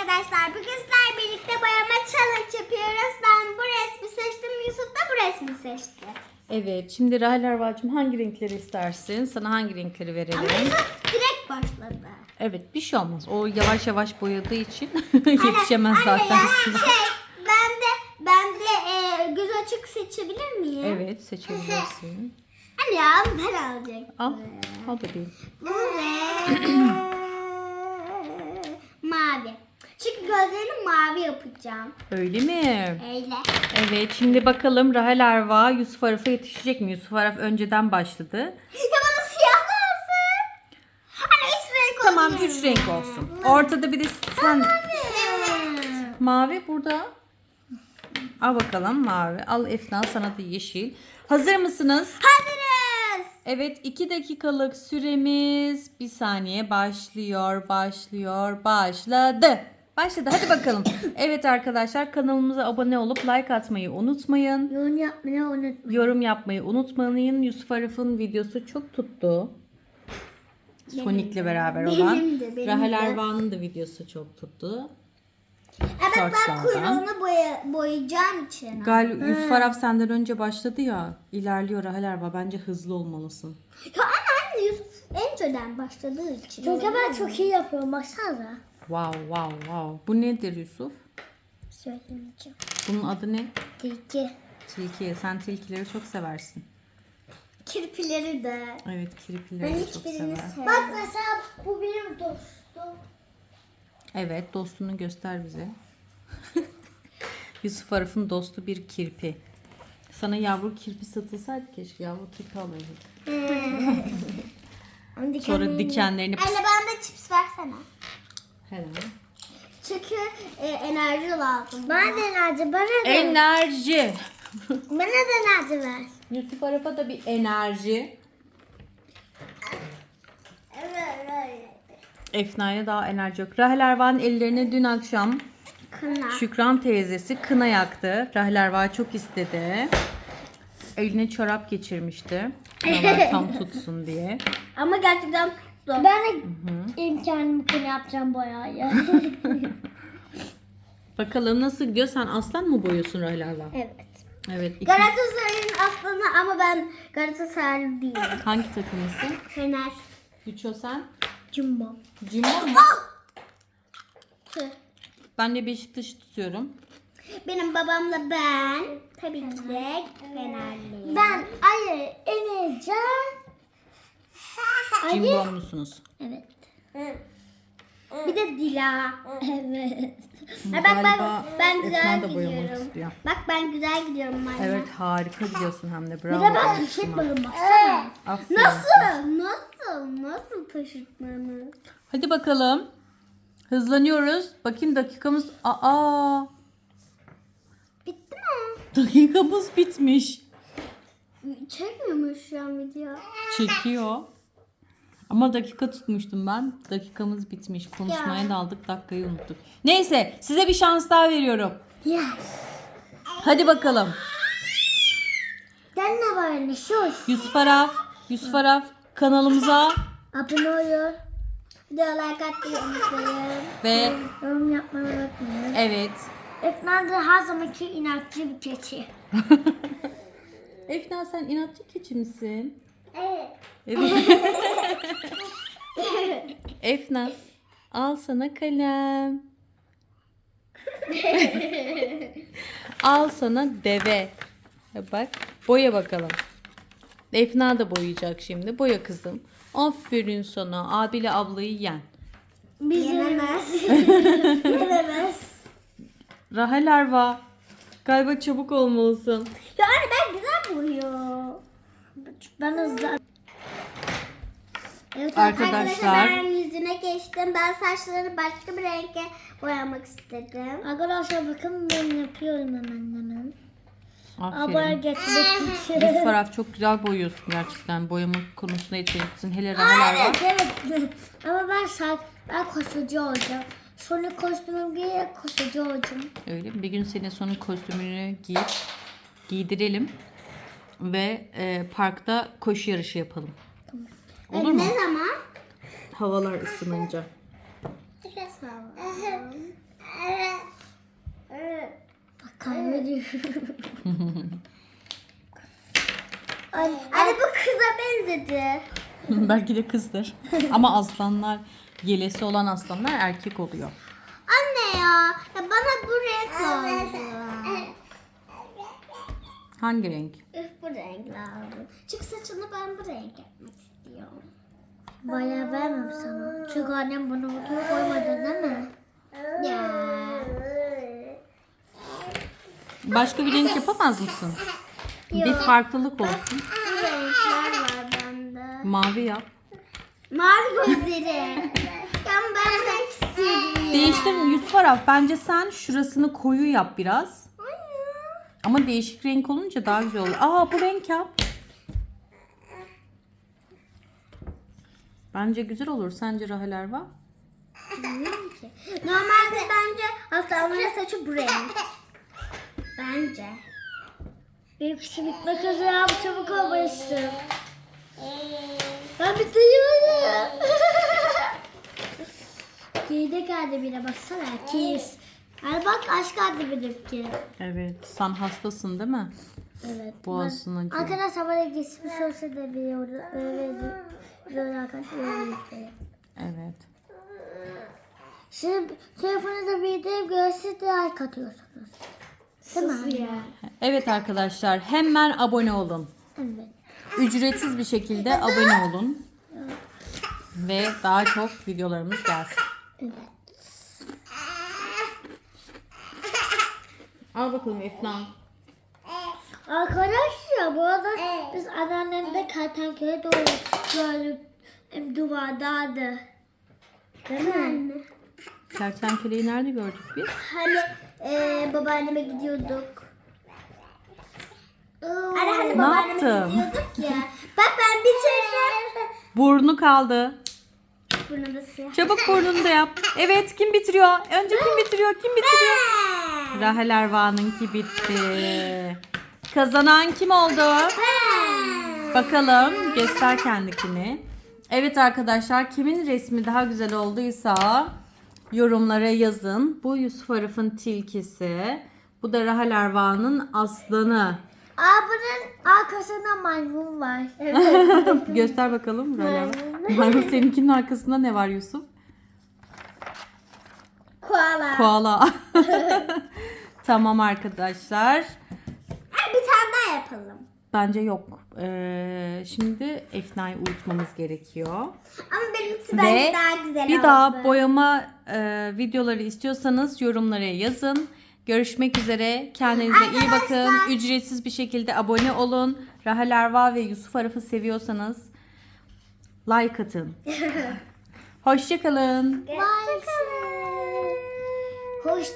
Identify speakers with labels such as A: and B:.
A: arkadaşlar. Bugün sizlerle birlikte boyama challenge yapıyoruz. Ben bu resmi seçtim. Yusuf da bu resmi seçti.
B: Evet, şimdi Rahel Erva'cığım hangi renkleri istersin? Sana hangi renkleri verelim?
A: Ama Yusuf direkt başladı.
B: Evet, bir şey olmaz. O yavaş yavaş boyadığı için yetişemez zaten.
A: Ben de göz açık seçebilir miyim?
B: Evet, seçebilirsin.
A: Hani ya ben alacaktım.
B: Al bebeğim.
A: Bu ve mavi. Çünkü gözlerini mavi yapacağım.
B: Öyle mi?
A: Öyle.
B: Evet, şimdi bakalım Rahel Erva Yusuf Araf'a yetişecek mi? Yusuf Araf önceden başladı.
A: Ya bana siyah lazım. Hani üç renk
B: Tamam,
A: olabilir
B: 3
A: mi?
B: renk olsun. Ortada bir de sen...
A: Evet.
B: Mavi burada. Al bakalım mavi. Al Efna, sana da yeşil. Hazır mısınız?
A: Hazırız.
B: Evet, 2 dakikalık süremiz bir saniye başladı. Başladı, hadi bakalım. Evet arkadaşlar, kanalımıza abone olup like atmayı unutmayın.
A: Yorum yapmayı unutmayın.
B: Yorum yapmayı unutmayın. Yusuf Araf'ın videosu çok tuttu. Sonic'le beraber olan.
A: Benim de.
B: Rahel Erva'nın da videosu çok tuttu.
A: Evet ben
B: Shortslardan.
A: kuyruğunu boyayacağım için.
B: Yusuf Araf senden önce başladı ya. İlerliyor Rahel Erva. Bence hızlı olmalısın.
A: Ya anne Yusuf önceden başladığı için. Çünkü ben çok iyi yapıyorum baksana.
B: Wow. Bu nedir Yusuf?
A: Söylemeyeceğim.
B: Bunun adı ne?
A: Tilki.
B: Tilki. Sen tilkileri çok seversin.
A: Kirpileri de.
B: Evet, kirpileri de çok sever.
A: Bak mesela bu benim dostum.
B: Evet, dostunu göster bize. Yusuf Araf'ın dostu bir kirpi. Sana yavru kirpi satılsaydı keşke yavru kirpi alırdık. Sonra dikenlerini...
A: Anne bana da chips versene.
B: Hemen.
A: Çünkü enerji lazım. Bana da enerji.
B: Enerji.
A: Bana da enerji ver.
B: Yusuf Araf'a da bir enerji.
A: Evet.
B: Efna'ya daha enerji yok. Rahel Erva'nın ellerine dün akşam
A: Kına.
B: Şükran teyzesi kına yaktı. Rahel Erva çok istedi. Eline çorap geçirmişti. Kınalar tam tutsun diye.
A: Ama gerçekten zor. Ben de imkanımı kına yapacağım boyayı.
B: Bakalım nasıl gidiyor? Sen aslan mı boyuyorsun Rahel Erva?
A: Evet.
B: Evet.
A: Galatasaray'ın aslanı ama ben Galatasaraylı değilim.
B: Hangi takımlısın?
A: Fener.
B: Güço sen?
A: Jumbo.
B: Cimbo mu?
A: Tüh.
B: Ben de Beşiktaş'ı tutuyorum.
A: Benim babamla ben tabii ki de Fenerliyim. Ben Ali, Emircan.
B: Cimbo musunuz?
A: Evet. Bir de Dila. Evet.
B: Galiba
A: ben güzel
B: Efna da boyamak
A: gidiyorum.
B: istiyor.
A: Bak ben güzel gidiyorum anne.
B: Evet, harika gidiyorsun hem de. Bravo.
A: Bir de ben
B: Esma.
A: taşıtmadım baksana.
B: Aferin.
A: Nasıl taşıtmamız?
B: Hadi bakalım. Hızlanıyoruz. Bakayım dakikamız... Aa!
A: Bitti mi?
B: Dakikamız bitmiş.
A: Çekmiyor mu şu an video?
B: Çekiyor. Ama dakika tutmuştum ben. Dakikamız bitmiş. Konuşmaya daldık. Dakikayı unuttuk. Neyse, size bir şans daha veriyorum.
A: Yes.
B: Hadi bakalım.
A: Gel ne var anne sus.
B: Yusuf Araf kanalımıza
A: Abone olun. Video like atmayı unutmayın.
B: ve
A: Yorum yapmayı unutmayın.
B: evet.
A: Efnan da her zamanki inatçı bir keçi.
B: Efna, sen inatçı keçi misin?
A: Evet.
B: Evet. Efna, al sana kalem. Al sana deve. Bak, boya bakalım. Efna da boyayacak şimdi. Boya kızım. Aferin sana. Abiyle ablayı yen.
A: Yenemez. Yenemez.
B: Rahel Erva, galiba çabuk olmalısın.
A: Ya anne ben güzel boyuyorum. Ben hızlı. Evet
B: Arkadaşlar.
A: ben yüzüne geçtim. Ben saçlarını başka bir renge boyamak istedim. Arkadaşlar bakın ben yapıyorum hemen. Abone
B: Aferin.
A: geçmek için.
B: Yusuf Araf, çok güzel boyuyorsun gerçekten. Boyama konusunda yeteneklisin. Hele Rahel Erva.
A: Evet. Ama ben koşucu olacağım. Sonra kostümü giyerek koşucu olacağım.
B: Öyle mi? Bir gün senin sonun kostümünü giydirelim ve parkta koşu yarışı yapalım. Olur mu?
A: Ne zaman?
B: Havalar ısınınca.
A: Ne zaman? Anne bu kıza benzedi.
B: Belki de kızdır. Ama aslanlar, yelesi olan aslanlar erkek oluyor.
A: Anne ya bana bu renk lazım.
B: Hangi renk?
A: Bu renk lazım. Çünkü saçını ben bu renk yapmak istiyorum. Bayağı vermem sana. Çünkü annem bunu buraya koymadı değil mi? Ya.
B: Başka bir renk yapamaz mısın? Bir farklılık olsun.
A: Bu renkler var bende.
B: Mavi yap.
A: Mavi gözleri. Ya ben bu renk istiyorum ya.
B: Değiştir Yusuf Araf. Bence sen şurasını koyu yap biraz. Ama değişik renk olunca daha güzel olur. Aa, bu renk yap. Bence güzel olur. Sence Rahel Erva?
A: Bilmiyorum ki. Normalde bence aslanların saçı bu renk. Bence. Benim kışım bitmek üzere abi, çabuk olmalısın. Ben bitiriyorum. Geride geldi bile, baksana kiss. Hani bak aşk geldi benimki.
B: Evet. Sen hastasın değil mi?
A: Evet.
B: Boğazın acıyor.
A: Arkadaşlar bana geçmiş olsa da biliyorum. Böyle arkadaşlar.
B: Evet.
A: Şimdi telefonunuzda video görse de like atıyorsunuz. Değil mi?
B: Evet arkadaşlar, hemen abone olun.
A: Evet.
B: Ücretsiz bir şekilde abone olun. Ve daha çok videolarımız gelsin.
A: Evet.
B: Al bakalım Efna.
A: Arkadaşlar bu arada biz anneannemde kertenkele gördük. Hem duvardaydı. Değil mi anne?
B: Kertenkeleyi nerede gördük biz?
A: Hani babaanneme gidiyorduk. Hani
B: Ne
A: babaanneme
B: yaptım?
A: gidiyorduk ya. Bak ben bitirdim.
B: Burnu kaldı.
A: Bunu da siyah.
B: Çabuk burnunu da yap. Evet, kim bitiriyor? Önce kim bitiriyor? Kim bitiriyor? Rahel Erva'nınki bitti. Kazanan kim oldu? Bakalım, göster kendikini. Evet arkadaşlar, kimin resmi daha güzel olduysa yorumlara yazın. Bu Yusuf Arif'in tilkisi. Bu da Rahel Erva'nın aslanı.
A: Bunun arkasında maymun var.
B: Göster bakalım Rahel Erva. Maymun, seninkinin arkasında ne var Yusuf?
A: Koala.
B: Koala. Tamam arkadaşlar.
A: Bir tane daha yapalım.
B: Bence yok. Şimdi Efna'yı uyutmamız gerekiyor.
A: Ama benimkisi
B: Ve
A: bence daha güzel
B: bir
A: oldu.
B: daha boyama videoları istiyorsanız yorumlara yazın. Görüşmek üzere. Kendinize iyi bakın. Ücretsiz bir şekilde abone olun. Rahel Erva ve Yusuf Arif'i seviyorsanız like atın. Hoşça kalın.
A: Bye. Hoş